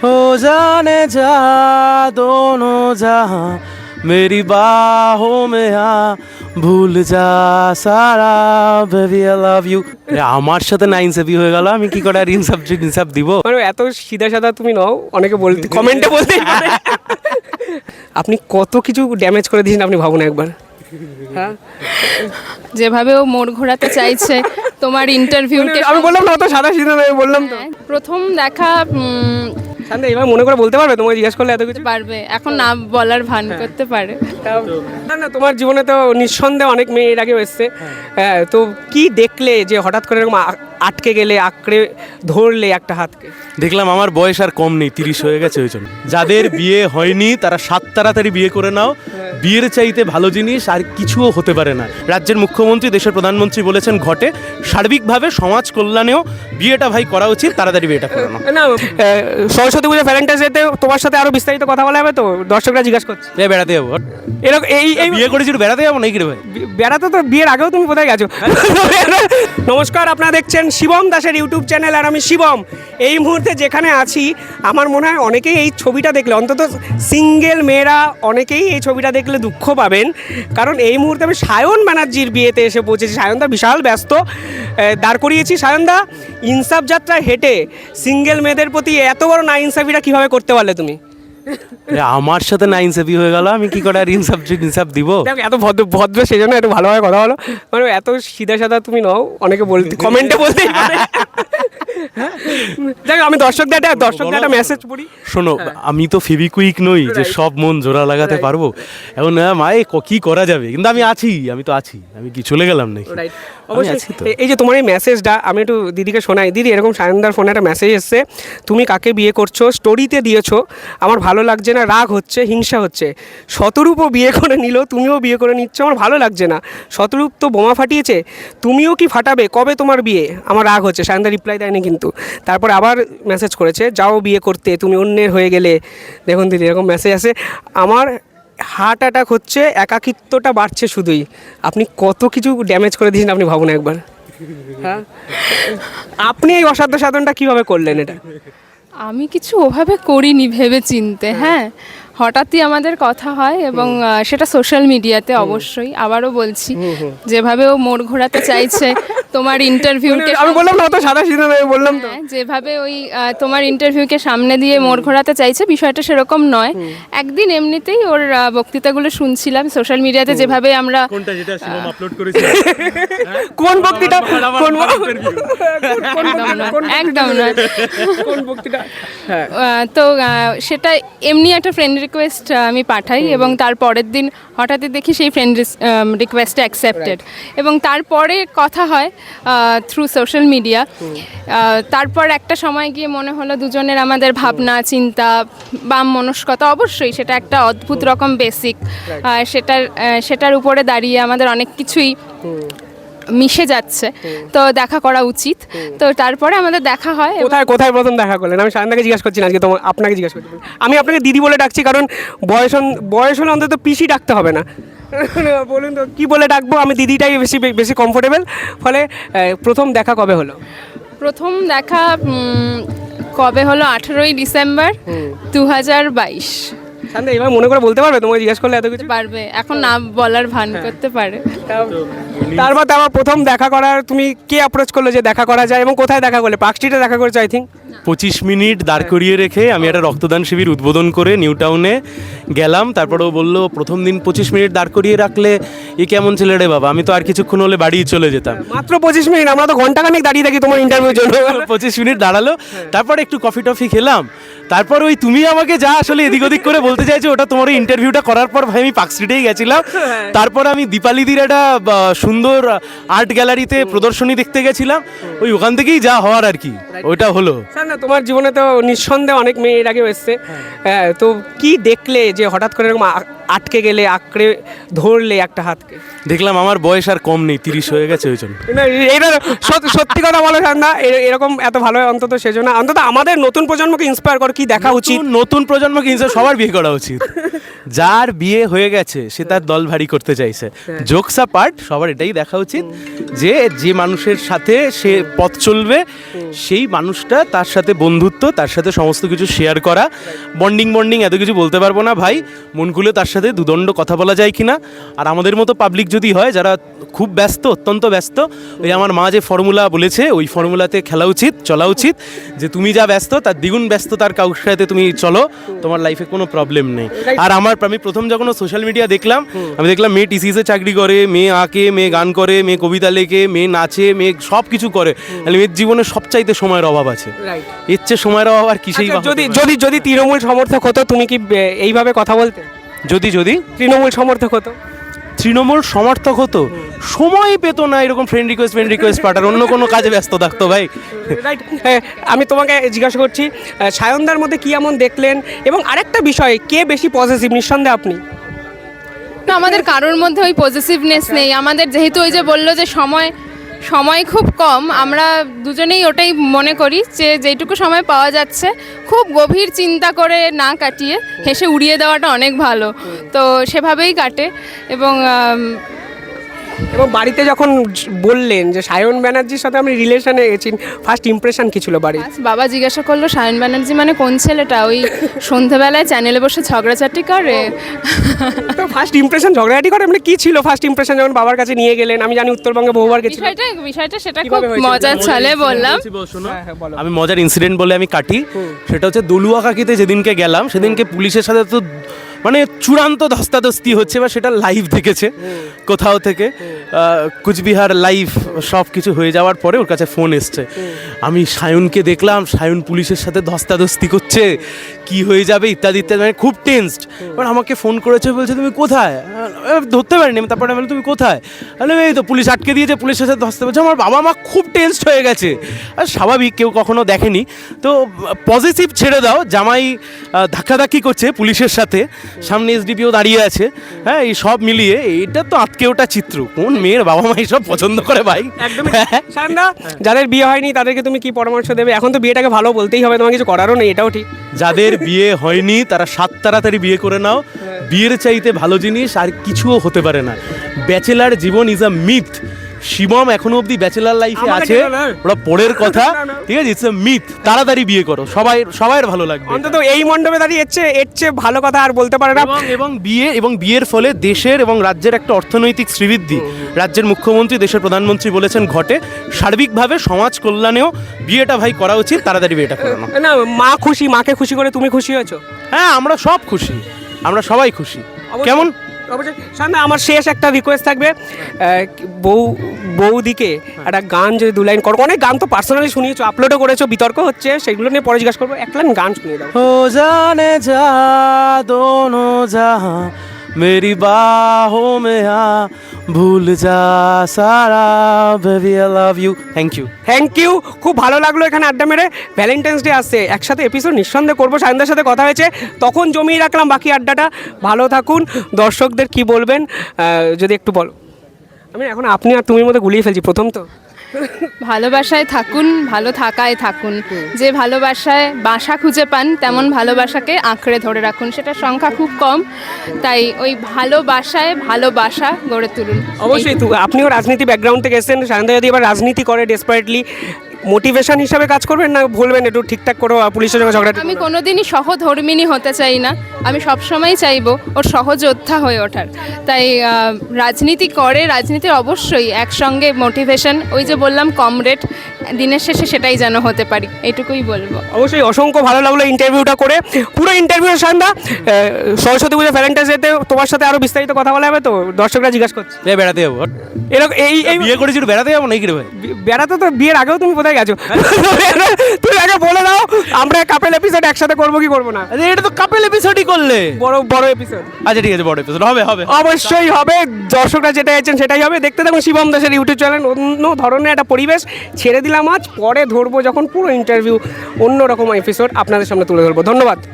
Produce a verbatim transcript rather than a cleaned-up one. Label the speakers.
Speaker 1: हो जाने जा दोनों जहां मेरी बाहों में आ ভুল যা সারা বেবি আই লাভ ইউ। আমার সাথে না ইনসাফি হয়ে গেল, আমি কি করে আর ইনসাফ ইনসাফ দিব?
Speaker 2: মানে এত সিধা সাদা তুমি নও, অনেকে বলতে কমেন্টে বলতে আপনি কত কিছু ড্যামেজ করে দিয়েছেন আপনি ভাবুন একবার। হ্যাঁ,
Speaker 3: যেভাবে ও মোড় ঘোরাতে চাইছে তোমার ইন্টারভিউকে।
Speaker 2: আমি বললাম না অত সাদা সিধা নয়, বললাম তো।
Speaker 3: প্রথম দেখা উম,
Speaker 2: শান্তি এবার মনে করে বলতে পারবে? তোমাকে জিজ্ঞাসা করলে এত কিছু
Speaker 3: পারবে, এখন না বলার ভান করতে পারে।
Speaker 2: না না, তোমার জীবনে তো নিঃসন্দেহে অনেক মেয়ে এর আগেও এসছে। হ্যাঁ, তো কি দেখলে যে হঠাৎ করে এরকম আ- আটকে গেলে, আঁকড়ে ধরলে একটা হাতকে?
Speaker 1: দেখলাম আমার বয়স আর কম নেই, তিরিশ হয়ে গেছে। ওই জন্য যাদের বিয়ে হয়নি তারা সাত তাড়াতাড়ি বিয়ে করে নাও। বিয়ের চাইতে ভালো জিনিস আর কিছুও হতে পারে না। রাজ্যের মুখ্যমন্ত্রী, দেশের প্রধানমন্ত্রী বলেছেন ঘটে, সার্বিকভাবে সমাজ কল্যাণেও বিয়েটা ভাই করা উচিত, তাড়াতাড়ি বিয়েটা করানো।
Speaker 2: না, আহ, সরস্বতী পুজো ভ্যালেন্টাইন্স ডেতে তোমার সাথে আরো বিস্তারিত কথা বলা হবে তো, দর্শকরা জিজ্ঞাসা করছে।
Speaker 1: এ বেড়াতে যাবো,
Speaker 2: এরকম এই এই
Speaker 1: বিয়ে করেছি একটু বেড়াতে যাবো নাকি রে ভাই?
Speaker 2: বি- বেড়াতে তো বিয়ের আগেও তুমি কোথায় গেছো? নমস্কার, আপনারা দেখছেন শিবম দাসের ইউটিউব চ্যানেল, আর আমি শিবম। এই মুহূর্তে যেখানে আছি, আমার মনে হয় অনেকেই এই ছবিটা দেখলে, অন্তত সিঙ্গেল মেয়েরা অনেকেই এই ছবিটা দেখলে দুঃখ পাবেন, কারণ এই মুহূর্তে আমি সায়ন ব্যানার্জির বিয়েতে এসে পৌঁছেছি। সায়নদা বিশাল ব্যস্ত, আহ, দাঁড় করিয়েছি। সায়নদা, ইনসাফ যাত্রায় হেঁটে সিঙ্গেল মেয়েদের প্রতি এত বড় না ইনসাফিটা কীভাবে করতে পারলে তুমি?
Speaker 1: এ আমার সাথে না ইনসাফি হয়ে গেল, আমি কি করে আর ইনসাফ ইনসাফ দিব?
Speaker 2: দেখো, এত ভদ্র ভদ্র সেই জন্য এত ভালোভাবে কথা বলো। মানে এত সিধা সাদা তুমি নও, অনেকে বলতে কমেন্টে বলতে দেখো, আমি দর্শকদের একটা দর্শকদের একটা মেসেজ পড়ি।
Speaker 1: শোনো, আমি তো ফেভিকুইক নই যে সব মন জোড়া লাগাতে পারবো। এখন হ্যাঁ মায়ে কি করা যাবে, কিন্তু আমি আছি, আমি তো আছি। আমি কি চলে গেলাম নাকি? আমি আছি তো।
Speaker 2: অবশ্যই। এই যে তোমার এই মেসেজটা আমি একটু দিদিকে শোনাই। দিদি, এরকম সায়নদার ফোনে একটা মেসেজ এসছে, তুমি কাকে বিয়ে করছো, স্টোরিতে দিয়েছো, আমার ভালো লাগছে না, রাগ হচ্ছে, হিংসা হচ্ছে। শতরূপও বিয়ে করে নিল, তুমিও বিয়ে করে নিচ্ছ, আমার ভালো লাগছে না। শতরূপ তো বোমা ফাটিয়েছে, তুমিও কি ফাটাবে, কবে তোমার বিয়ে, আমার রাগ হচ্ছে। সায়নদা রিপ্লাই দেয়নি কিন্তু, তারপর আবার মেসেজ করেছে, যাও বিয়ে করতে, তুমি অন্যের হয়ে গেলে। দেখুন দিদি, এরকম মেসেজ আসে। আমার হার্ট অ্যাটাক হচ্ছে, একাকিত্বটা বাড়ছে শুধুই। আপনি কত কিছু ড্যামেজ করে দিয়েছেন আপনি ভাবুন একবার। হ্যাঁ, আপনি এই অসাধ্য সাধনটা কীভাবে করলেন এটা?
Speaker 3: আমি কিছু ওভাবে করিনি ভেবে চিনতে। হ্যাঁ, হঠাৎই আমাদের কথা হয়, এবং আহ, সেটা সোশ্যাল মিডিয়াতে। অবশ্যই আবারও বলছি, যেভাবে ও মোড় ঘোরাতে চাইছে তোমার ইন্টারভিউকে।
Speaker 2: আমি বললাম না অত সাদা সিধা নয়, বললাম তো।
Speaker 3: হ্যাঁ, যেভাবে ওই আহ, তোমার ইন্টারভিউকে সামনে দিয়ে মোড় ঘোরাতে চাইছে, বিষয়টা সেরকম নয়। একদিন এমনিতেই ওর আহ, বক্তৃতাগুলো শুনছিলাম সোশ্যাল মিডিয়াতে, যেভাবে আমরা
Speaker 1: কোনটা যেটা শিবম আপলোড করেছে?
Speaker 2: কোন বক্তৃতা? কোন
Speaker 3: একদম নয়।
Speaker 2: কোন বক্তৃতা? হ্যাঁ,
Speaker 3: আহ, তো আহ, সেটা এমনি একটা ফ্রেন্ড রিকোয়েস্ট আমি পাঠাই, এবং তার পরের দিন হঠাৎই দেখি সেই ফ্রেন্ড রিকোয়েস্টটা অ্যাকসেপ্টেড, এবং তারপরে কথা হয় থ্রু সোশ্যাল মিডিয়া। তারপর একটা সময় গিয়ে মনে হলো দুজনের আমাদের ভাবনা চিন্তা বাম মনস্কতা, অবশ্যই সেটা একটা অদ্ভুত রকম বেসিক, সেটার আহ, সেটার উপরে দাঁড়িয়ে আমাদের অনেক কিছুই মিশে যাচ্ছে, তো দেখা করা উচিত। তো তারপরে আমাদের দেখা হয়। এবং
Speaker 2: কোথায় কোথায় প্রথম দেখা করলেন? আমি সায়নদাকে জিজ্ঞাসা করছি না আজকে, তোমার আপনাকে জিজ্ঞাসা করছি। আমি আপনাকে দিদি বলে ডাকছি, কারণ বয়স হন- বয়স হলে অন্তত পিসি ডাকতে হবে না। বলুন তো কী বলে ডাকবো? আমি দিদিটাই বেশি বেশি কমফোর্টেবল। ফলে আহ, প্রথম দেখা কবে হলো?
Speaker 3: প্রথম দেখা উম, কবে হলো? আঠেরোই ডিসেম্বর দু হাজার বাইশ।
Speaker 2: সায়নদা এবার মনে করে বলতে পারবে? তোমাকে জিজ্ঞাসা করলে এত কিছু
Speaker 3: পারবে, এখন না বলার ভান করতে পারে।
Speaker 2: তারপর তারপর প্রথম দেখা করার তুমি কে অ্যাপ্রোচ করলো যে দেখা করা যায়, এবং কোথায় দেখা করলে? পার্ক স্ট্রিটে দেখা করেছো আই থিঙ্ক।
Speaker 1: পঁচিশ মিনিট দাঁড় করিয়ে রেখে আমি একটা রক্তদান শিবির উদ্বোধন করে নিউ টাউনে গেলাম। তারপরে ও বললো, প্রথম দিন পঁচিশ মিনিট দাঁড় করিয়ে রাখলে এ কেমন ছেলে রে বাবা, আমি তো আর কিছুক্ষণ হলে বাড়ি চলে যেতাম।
Speaker 2: মাত্র পঁচিশ মিনিট? আমরা তো ঘন্টাখানেক দাঁড়িয়ে থাকি তোমার ইন্টারভিউর জন্য।
Speaker 1: পঁচিশ মিনিট দাঁড়ালো, তারপরে একটু কফি টফি খেলাম। তারপর ওই তুমি আমাকে যা আসলে এদিক ওদিক করে বলতে চাইছো, ওটা তোমার ইন্টারভিউটা করার পর ভাই আমি পার্ক স্ট্রিটেই গেছিলাম। তারপর আমি দীপালিদির একটা বা, সুন্দর আর্ট গ্যালারিতে প্রদর্শনী দেখতে গেছিলাম। ওই ওখান থেকেই যা হওয়ার আর কি, ওইটা হলো।
Speaker 2: স্যার না, তোমার জীবনে তো নিঃসন্দেহে অনেক মেয়ে এর আগেও এসছে। হ্যাঁ, তো কি দেখলে যে হঠাৎ করে এরকম আ- আটকে গেলে, আঁকড়ে ধরলে একটা হাতকে?
Speaker 1: দেখলাম আমার বয়স আর কম নেই, তিরিশ হয়ে গেছে। ওই জন্য
Speaker 2: না, এটা সত- সত্যি কথা বলো না, এরকম এত ভালো হয় অন্তত সেজন্য, অন্তত আমাদের নতুন প্রজন্মকে ইন্সপায়ার করো কি দেখা উচিত।
Speaker 1: নতুন- নতুন প্রজন্মকে হিংসা সবার বিয়ে করা উচিত। যার বিয়ে হয়ে গেছে সে তার দল ভারী করতে চাইছে, জোকস পার্ট, সবার এটাই দেখা উচিত যে যে মানুষের সাথে সে পথ চলবে সেই মানুষটা তার সাথে বন্ধুত্ব, তার সাথে সমস্ত কিছু শেয়ার করা, বন্ডিং বন্ডিং এত কিছু বলতে পারবো না ভাই, মন খুলে তার সাথে দুদণ্ড কথা বলা যায় কিনা। আর আমাদের মতো পাবলিক যদি হয় যারা খুব ব্যস্ত, অত্যন্ত ব্যস্ত, ওই আমার মা যে ফর্মুলা বলেছে ওই ফর্মুলাতে খেলা উচিত, চলা উচিত, যে তুমি যা ব্যস্ত তার দ্বিগুণ ব্যস্ত তার কাউর সাথে তুমি চলো, তোমার লাইফে কোনো প্রবলেম নেই। আর আমার আমি প্রথম যখন সোশ্যাল মিডিয়া দেখলাম, আমি দেখলাম মেয়ে টিসিসে চাকরি করে, মেয়ে আঁকে, মেয়ে গান করে, মেয়ে কবিতা লেখে, মেয়ে নাচে, মেয়ে সব কিছু করে, তাহলে মেয়ের জীবনে সবচাইতে সময়ের অভাব আছে। এর চেয়ে সময়ের অভাব আর কিসেই বা হতে
Speaker 2: যদি
Speaker 1: পারে?
Speaker 2: যদি যদি তৃণমূল সমর্থক হতো তুমি কি এ, এইভাবে কথা বলতে?
Speaker 1: যদি যদি
Speaker 2: তৃণমূল সমর্থক হতো?
Speaker 1: তৃণমূল সমর্থক হতো, সময় পেত না এরকম ফ্রেন্ড রিকোয়েস্ট ফ্রেন্ড রিকোয়েস্ট পাঠার, অন্য কোনো কাজে ব্যস্ত থাকতো ভাই।
Speaker 2: রাইট। আমি তোমাকে জিজ্ঞাসা করছি, আহ, সায়নদার মধ্যে কি এমন দেখলেন, এবং আরেকটা বিষয়, কে বেশি পজিটিভ? নিঃসন্দেহে আপনি।
Speaker 3: না, আমাদের কারোর মধ্যে ওই পজিটিভনেস নেই আমাদের, যেহেতু ওই যে বললো যে সময় সময় খুব কম, আমরা দুজনেই ওটাই মনে করি যে যেটুকু সময় পাওয়া যাচ্ছে খুব গভীর চিন্তা করে না কাটিয়ে হেসে উড়িয়ে দেওয়াটা অনেক ভালো, তো সেভাবেই কাটে। এবং আম,
Speaker 2: এবং বাড়িতে যখন বললেন যে সায়ন ব্যানার্জির সাথে আমি রিলেশনে গেছি, ফার্স্ট ইমপ্রেশন কি ছিল বাড়ির?
Speaker 3: আজ বাবা জিজ্ঞাসা করলো সায়ন ব্যানার্জি মানে কোন ছেলেটা, ওই সন্ধ্যেবেলায় চ্যানেলে বসে ঝগড়াঝাটি করে।
Speaker 2: তো ফার্স্ট ইমপ্রেশন ঝগড়াঝাটি করে মানে কি ছিল ফার্স্ট ইমপ্রেশন যখন বাবার কাছে নিয়ে গেলেন? আমি জানি উত্তরবঙ্গে বহুবার গেছিলাম।
Speaker 3: বিষয়টা বিষয়টা সেটা খুব
Speaker 2: কিভাবে হয়েছিল?
Speaker 3: মজার ছলে বললাম।
Speaker 2: হ্যাঁ, হ্যাঁ, বলো।
Speaker 1: আমি মজার ইনসিডেন্ট বলে আমি কাটি, সেটা হচ্ছে দলুয়া কাকিতে যেদিনকে গেলাম সেদিনকে পুলিশের সাথে তো মানে চূড়ান্ত ধস্তাধস্তি হচ্ছে, বা সেটা লাইভ দেখেছে কোথাও থেকে, আহ, কুচবিহার লাইভ সব কিছু হয়ে যাওয়ার পরে ওর কাছে ফোন এসছে, আমি সায়নকে দেখলাম, সায়ন পুলিশের সাথে ধস্তাধস্তি করছে, কি হয়ে যাবে ইত্যাদি ইত্যাদি, মানে খুব টেন্সড। এবার আমাকে ফোন করেছে, বলছে তুমি কোথায়? আহ, ধরতে পারিনি আমি, তারপরে বললাম তুমি কোথায়? বলে এই তো পুলিশ আটকে দিয়েছে, পুলিশের সাথে ধস্তে বলছে। আমার বাবা মা খুব টেন্সড হয়ে গেছে, আর স্বাভাবিক, কেউ কখনো দেখেনি। তো পজিটিভ ছেড়ে দাও, জামাই আহ, ধাক্কাধাক্কি করছে পুলিশের সাথে, সামনে এসডিপিও দাঁড়িয়ে আছে, হ্যাঁ, এই সব মিলিয়ে এটা তো আটকে ওঠা চিত্র। কোন মেয়ের বাবা মা সব পছন্দ করে ভাই?
Speaker 2: একদমই। সায়নদা, যাদের বিয়ে হয়নি তাদেরকে তুমি কি পরামর্শ দেবে? এখন তো বিয়েটাকে ভালো বলতেই হবে, তোমার কিছু করারও নেই, এটাও ঠিক।
Speaker 1: যাদের বিয়ে হয়নি তারা সাত তাড়াতাড়ি বিয়ে করে নাও, বিয়ের চাইতে ভালো জিনিস আর কিছুও হতে পারে না। ব্যাচেলার জীবন ইজ আ মিথ। শিবম এখনো অবধি ব্যাচেলার লাইফে
Speaker 2: আমাকে
Speaker 1: আছে,
Speaker 2: টেনো না।
Speaker 1: ওরা পরের কথা,
Speaker 2: না, না।
Speaker 1: ঠিক আছে, ইটস আ মিথ। তাড়াতাড়ি বিয়ে করো, সবাই সবার ভালো লাগবে।
Speaker 2: অন্তত এই মণ্ডপে দাঁড়িয়ে এর চেয়ে এর চেয়ে ভালো কথা আর বলতে পারে না।
Speaker 1: এবং এবং বিয়ে এবং বিয়ের ফলে দেশের এবং রাজ্যের একটা অর্থনৈতিক শ্রীবৃদ্ধি, রাজ্যের মুখ্যমন্ত্রী, দেশের প্রধানমন্ত্রী বলেছেন ঘটে। সার্বিকভাবে সমাজ কল্যাণেও বিয়েটা ভাই করা উচিত, তাড়াতাড়ি বিয়েটা করানো।
Speaker 2: না, মা খুশি, মাকে খুশি করে তুমি খুশি হয়েছো?
Speaker 1: হ্যাঁ, আমরা সব খুশি, আমরা সবাই খুশি। কেমন?
Speaker 2: অবশ্যই। সামনে আমার শেষ একটা রিকোয়েস্ট থাকবে, আহ, বউ বৌদিকে একটা গান যদি দু লাইন করো, অনেক গান তো পার্সোনালি শুনিয়েছো, আপলোডও করেছো, বিতর্ক হচ্ছে, সেগুলো নিয়ে পরে জিজ্ঞাসা করবো, এক লাইন গান শুনিয়ে দাও।
Speaker 1: हो जाने जा दोनों जहां मेरी बाहों में आ भूल जा सारा baby I love you. Thank you.
Speaker 2: Thank you, খুব ভালো লাগলো এখানে আড্ডা মেরে। ভ্যালেন্টাইন্স ডে আসছে, একসাথে এপিসোড নিঃসন্দেহে করবো, সায়নদার সাথে কথা হয়েছে, তখন জমিয়ে রাখলাম বাকি আড্ডাটা। ভালো থাকুন। দর্শকদের কি বলবেন আহ, যদি একটু বলো। আমি এখন আপনি আর তুমির মধ্যে গুলিয়ে ফেলছি, প্রথম তো।
Speaker 3: ভালোবাসায় থাকুন, ভালো থাকায় থাকুন। যে ভালোবাসায় বাসা খুঁজে পান তেমন ভালোবাসাকে আঁকড়ে ধরে রাখুন, সেটার সংখ্যা খুব কম, তাই ওই ভালোবাসায় ভালোবাসা গড়ে তুলুন।
Speaker 2: অবশ্যই। তো আপনিও রাজনীতি ব্যাকগ্রাউন্ড থেকে এসেছেন, সায়নদা যদি এবার রাজনীতি করে ডেসপারেটলি, মোটিভেশন হিসাবে কাজ করবেন না বলবেন একটু ঠিকঠাক করো পুলিশের সঙ্গে ঝগড়া?
Speaker 3: আমি কোনোদিনই সহধর্মিণী হতে চাই না, আমি সবসময় চাইবো ওর সহযোদ্ধা হয়ে ওঠার। তাই আহ, রাজনীতি করে, রাজনীতির অবশ্যই একসঙ্গে মোটিভেশন, ওই যে বললাম কমরেড, দিনের শেষে সেটাই যেন হতে পারি, এইটুকুই বলবো।
Speaker 2: অবশ্যই। অসংখ্য ভালো লাগলো ইন্টারভিউটা করে, পুরো ইন্টারভিউ সায়নদা। আহ, সরস্বতী পুজো ভ্যালেন্টাইন্স ডেতে তোমার সাথে আরো বিস্তারিত কথা বলা হবে, তো দর্শকরা জিজ্ঞাসা করছে।
Speaker 1: এ বেড়াতে যাবো,
Speaker 2: এরকম এই এই
Speaker 1: বিয়ে করেছি একটু বেড়াতে যাবো নাকি রে ভাই?
Speaker 2: বি- বেড়াতে তো বিয়ের আগেও তুমি কোথায় গেছো? তুমি আগে বলে দাও, আমরা কাপেল এপিসোড একসাথে করবো কি করবো না?
Speaker 1: আরে এটা তো কাপেল এপিসোডই করলে।
Speaker 2: বড় বড় এপিসোড
Speaker 1: আচ্ছা ঠিক আছে, বড় এপিসোড হবে হবে
Speaker 2: অবশ্যই হবে। দর্শকরা যেটা চাইছেন সেটাই হবে। দেখতে থাকুন শিবম দাসের ইউটিউব চ্যানেল। অন্য ধরনের একটা পরিবেশ ছেড়ে দিলাম আজ, পরে ধরবো যখন পুরো ইন্টারভিউ, অন্য রকম এপিসোড আপনাদের সামনে তুলে ধরবো। ধন্যবাদ।